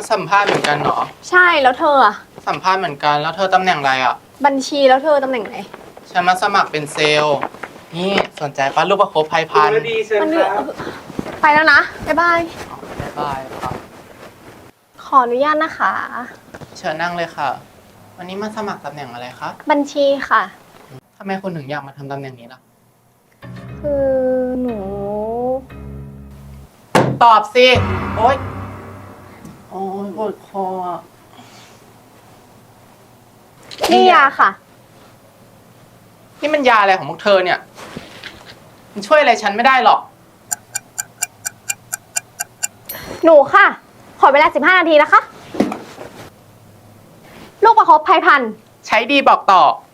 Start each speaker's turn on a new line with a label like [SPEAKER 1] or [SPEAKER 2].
[SPEAKER 1] มาสัมภาษณ์เหมือนกันเหรอ
[SPEAKER 2] ใช่แล้วเธออะ
[SPEAKER 1] สัมภาษณ์เหมือนกันแล้วเธอตำแหน่งอะไรอ่ะ
[SPEAKER 2] บัญชีแล้วเธอตำแหน่งไหน
[SPEAKER 1] ฉันมาสมัครเป็นเซลล์นี่สนใจปะลูกประคบภัยพันธุ์
[SPEAKER 3] ดีเชิญ
[SPEAKER 2] มัน
[SPEAKER 3] ค
[SPEAKER 2] เดือ
[SPEAKER 3] รับ
[SPEAKER 2] ไปแล้วนะ บ๊ายบาย
[SPEAKER 1] บ๊ายบายครับ
[SPEAKER 2] ขออนุญาตนะคะ
[SPEAKER 1] เชิญนั่งเลยค่ะ วันนี้มาสมัครตำแหน่งอะไรคะ
[SPEAKER 2] บัญชีค่ะ
[SPEAKER 1] ทำไมคุณถึงอยากมาทำตำแหน่งนี้ล่ะ
[SPEAKER 2] คือหนู
[SPEAKER 1] ตอบสิโอ๊ยโอ๊ยปวดคออะ
[SPEAKER 2] นี่ยาค่ะ
[SPEAKER 1] นี่มันยาอะไรของพวกเธอเนี่ย มันช่วยอะไรฉันไม่ได้หรอก
[SPEAKER 2] หนูค่ะ ขอเวลา 15 นาทีนะคะ ลูกประคบภัยพันธุ์
[SPEAKER 1] ใช้ดีบอกต่อ